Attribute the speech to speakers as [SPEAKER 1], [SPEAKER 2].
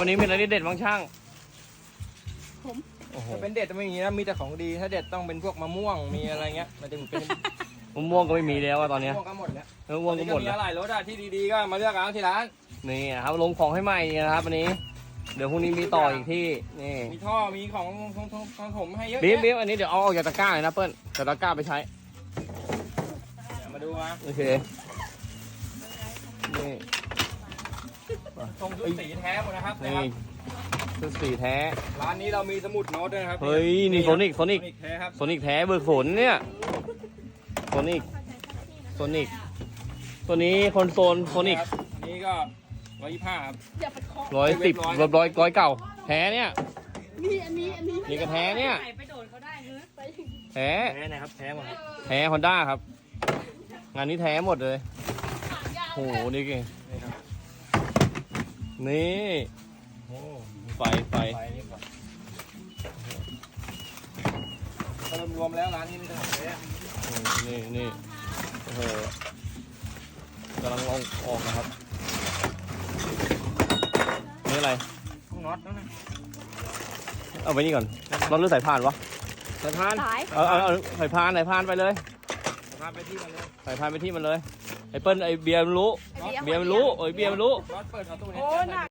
[SPEAKER 1] วันนี้มีอะไรเด็ดบ้างช่าง
[SPEAKER 2] ผม
[SPEAKER 1] โอ้โห
[SPEAKER 3] ถ้าเป็นเด็ดไม่มีนะมีแต่ของดีถ้าเด็ดต้องเป็นพวกมะม่วงมีอะไรเงี้ยมันถึงเป็น
[SPEAKER 1] มะม่วงก็ไม่มีแล้วอะตอนเนี้ย
[SPEAKER 3] มะม่วงก็หมดแล้ว
[SPEAKER 1] มะม่วงก็หมด
[SPEAKER 3] มี
[SPEAKER 1] แล้ว
[SPEAKER 3] อะไรรถอะที่ดีๆก็มาเลือกเอาที่ร้าน
[SPEAKER 1] นี่นะครับลงของให้ใหม่นะครับวันนี้ เดี๋ยวพรุ่งนี้มีต่ออีกที่นี่
[SPEAKER 3] มีท่อมีของผมให้เยอะ
[SPEAKER 1] บีม
[SPEAKER 3] แยะ
[SPEAKER 1] อันนี้เดี๋ยวเอาออกจากตะกร้าเลยนะเปิ้ลแต่ตะกร้าไปใช้
[SPEAKER 3] เดี๋ยวมาดูมา
[SPEAKER 1] โอเคนี่
[SPEAKER 3] ทรงชุดสีแท้หมดนะครับ
[SPEAKER 1] นี่ชุดสีแท้
[SPEAKER 3] ร้านนี้เรามีสมุดโน้ตด้วยนะครับ
[SPEAKER 1] เฮ้ยนี่โซนิก
[SPEAKER 3] แท้ครับ
[SPEAKER 1] โซนิกแท้เบิกฝนเนี่ยโซนิกตัวนี้คอนโซลโซนิก
[SPEAKER 3] ครับอันนี้ก็125ครับ
[SPEAKER 2] อย่าไปเคาะ
[SPEAKER 1] 110ร้อยเก่าแท้เนี่ย
[SPEAKER 2] นี่อันนี้
[SPEAKER 1] นี่ก็แท้เนี่ย
[SPEAKER 2] ไปโดนเขาได้เนื้อไป
[SPEAKER 1] แท้
[SPEAKER 3] แท้นะครับแท้หมด
[SPEAKER 1] แท้ฮอนด้าครับ งานนี้แท้หมดเลย
[SPEAKER 2] ขายาว
[SPEAKER 1] โหนี่ไง
[SPEAKER 3] นี่ครับ
[SPEAKER 1] นี่
[SPEAKER 3] โอ้
[SPEAKER 1] ไฟ
[SPEAKER 3] ไปนี่ก่อนก็รวมๆแล้วร้านนี้มีแต่ของแท้
[SPEAKER 1] นี่โอ้โหกำลังลองออกนะครับนี่อะไร
[SPEAKER 3] ต้องน็อตนั่นนะ
[SPEAKER 1] เอาไปนี่ก่อนรถหรือสายพานวะ
[SPEAKER 3] สายพาน
[SPEAKER 2] สาย
[SPEAKER 1] เอาสายพานไปเลย
[SPEAKER 3] สายพานไปที่มันเลย
[SPEAKER 1] สายพานไปที่มันเลยไอ้เปิ้ลไอ้เบียร์มันรู้ เบียร์มันรู้เอ้ยเบียร์มันรู้
[SPEAKER 3] น็อตเปิดประตูนี้
[SPEAKER 2] โอ้หนัก